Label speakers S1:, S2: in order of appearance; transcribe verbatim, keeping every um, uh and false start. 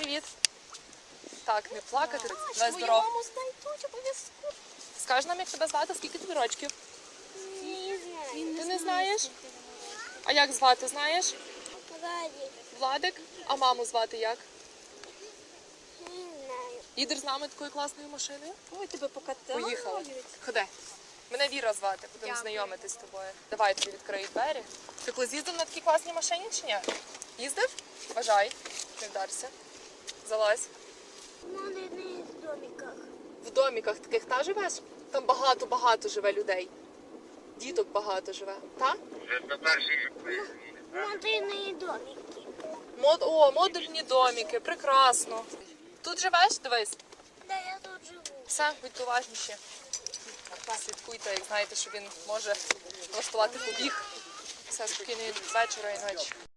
S1: привіт. Так, не плакати.
S2: Твою
S1: Давай здоров.
S2: маму знайдуть обов'язково.
S1: Скажи нам, як тебе звати, скільки тобі рочків?
S2: Не знаю.
S1: Ти не знаєш? А як звати, знаєш?
S2: Владик.
S1: Владик? А маму звати як?
S2: Не знаю.
S1: Їдеш з нами такою класною машиною?
S2: Ой, тебе покатали.
S1: Поїхали. Ходи. Мене Віра звати, будемо знайомитись з тобою. Давай тобі відкрию двері. Ти колись їздив на такій класній машині чи ні? Їздив? Бажай. Не вдарся. Залазь.
S2: В маленьких домиках.
S1: В доміках таких та живеш? Там багато-багато живе людей. Діток багато живе. Та?
S2: Маленькие домики.
S1: Мод... О, модульні доміки, прекрасно. Тут живеш? Дивись.
S2: Да, я тут живу.
S1: Все, будьте уважніші. Слідкуйте, як знаєте, що він може влаштувати побіг. Все, спокійної вечора і ночі.